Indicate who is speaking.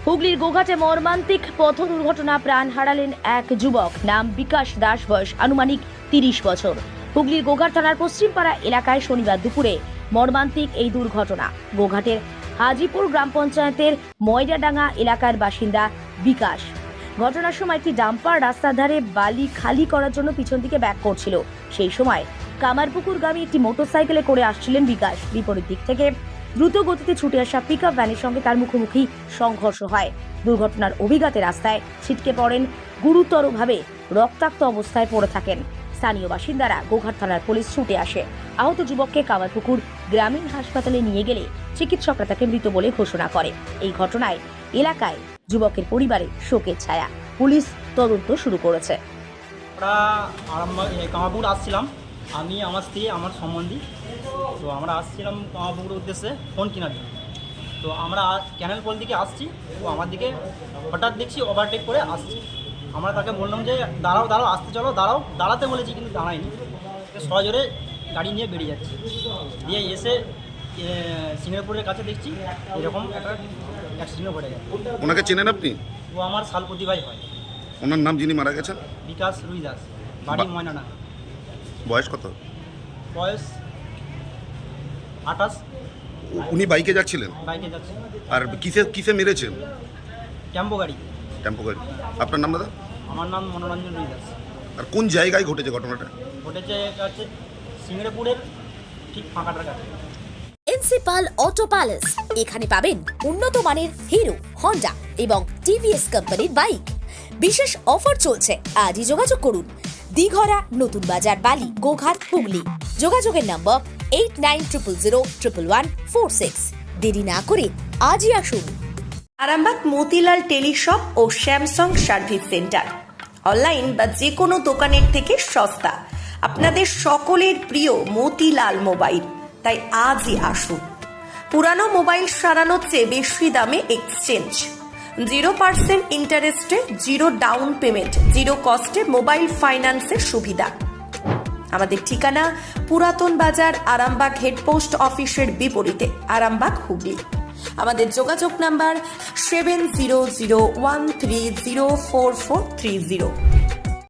Speaker 1: হুগলির গোঘাটে মর্মান্তিক পথ দুর্ঘটনা, প্রাণ হারালেন এক যুবক, নাম বিকাশ দাস, বয়স আনুমানিক 30 বছর। হুগলির গোঘাট থানার পশ্চিমপাড়া এলাকায় শনিবার দুপুরে মর্মান্তিক এই দুর্ঘটনা। গোঘাটের হাজিপুর গ্রাম পঞ্চায়েতের ময়রাডাঙ্গা এলাকার বাসিন্দা বিকাশ। ঘটনার সময় একটি ডাম্পার রাস্তার ধারে বালি খালি করার জন্য পিছন দিকে ব্যাক করছিল। সেই সময় কামারপুকুরগামী একটি মোটরসাইকেলে করে আসছিলেন বিকাশ। বিপরীত দিক থেকে দ্রুত গতিতে ছুটে আসা পিকআপ ভ্যানের সঙ্গে তার মুখোমুখি সংঘর্ষ হয়। দুর্ঘটনার অভিঘাতে রাস্তায় ছিটকে পড়েন, গুরুতরভাবে রক্তাক্ত অবস্থায় পড়ে থাকেন। স্থানীয় বাসিন্দারা গোঘাট থানার পুলিশ ছুটে আসে। আহত যুবককে কামারপুকুর গ্রামীণ হাসপাতালে নিয়ে গেলে চিকিৎসকরা তাকে মৃত বলে ঘোষণা করে। এই ঘটনায় এলাকায় যুবকের পরিবারে শোকের ছায়া। পুলিশ তদন্ত শুরু করেছে।
Speaker 2: আমরা কামারপুকুর আসছিলাম, আমি, আমার স্ত্রী, আমার সম্বন্ধী। তো আমরা আসছিলাম কামারপুকুরের উদ্দেশ্যে ফোন কেনার জন্য। তো আমরা ক্যানেল পোল দিকে আসছি, তো আমার দিকে হঠাৎ দেখছি ওভারটেক করে আসছি। আমরা তাকে বললাম যে দাঁড়াও দাঁড়াও, আসতে চলো, দাঁড়াও। দাঁড়াতে বলেছি কিন্তু দাঁড়ায়নি, সজোরে গাড়ি নিয়ে বেরিয়ে যাচ্ছে। দিয়ে এসে সিঙ্গাপুরের কাছে দেখছি এরকম একটা অ্যাক্সিডেন্ট ঘটে গেছে।
Speaker 3: ওনাকে চেনেন আপনি?
Speaker 2: ও আমার শালপতি ভাই হয়।
Speaker 3: ওনার নাম যিনি মারা গেছেন?
Speaker 2: বিকাশ রুই দাস, বাড়ি ময়নাডাঙ্গা।
Speaker 3: বয়স কত?
Speaker 2: বয়স 28।
Speaker 3: উনি বাইকে যাচ্ছিলেন?
Speaker 2: বাইকে যাচ্ছে।
Speaker 3: আর কিসে মেরেছেন?
Speaker 2: টেম্পো গাড়ি।
Speaker 3: টেম্পো গাড়ি। আপনার নাম দাদা?
Speaker 2: আমার নাম মনোরঞ্জন রুই দাস।
Speaker 3: আর কোন জায়গায় ঘটেছে ঘটনাটা?
Speaker 2: ঘটেছে এটা হচ্ছে সিঙ্গাপুরের ঠিক ফাঁকাটার কাছে।
Speaker 4: প্রিন্সিপাল অটো প্যালেস, এখানে পাবেন উন্নত মানের হিরো, হন্ডা এবং টিভিএস কোম্পানির বাইক। বিশেষ অফার চলছে, আজই যোগাযোগ করুন। দিঘরা, নতুন বাজার, বালি, গোঘাট, হুগলি। যোগাযোগের নম্বর 8900011146। দেরি না করে আজই আসুন।
Speaker 5: আরামবাগ মতিলাল টেলিশপ ও স্যামসাং সার্ভিস সেন্টার, অনলাইন বা যে কোনো দোকানের থেকে সস্তা। আপনাদের সকলের প্রিয় মতিলাল মোবাইল, তাই আজই আসুন। পুরানো মোবাইল সারানোর চেয়ে বেশি দামে এক্সচেঞ্জ, 0% ইন্টারেস্টে, 0 ডাউন পেমেন্ট, 0 কস্টে মোবাইল ফাইন্যান্সের সুবিধা। আমাদের ঠিকানা পুরাতন বাজার, আরামবাগ হেডপোস্ট অফিসের বিপরীতে, আরামবাগ, হুগলি। আমাদের যোগাযোগ নাম্বার 7001304430।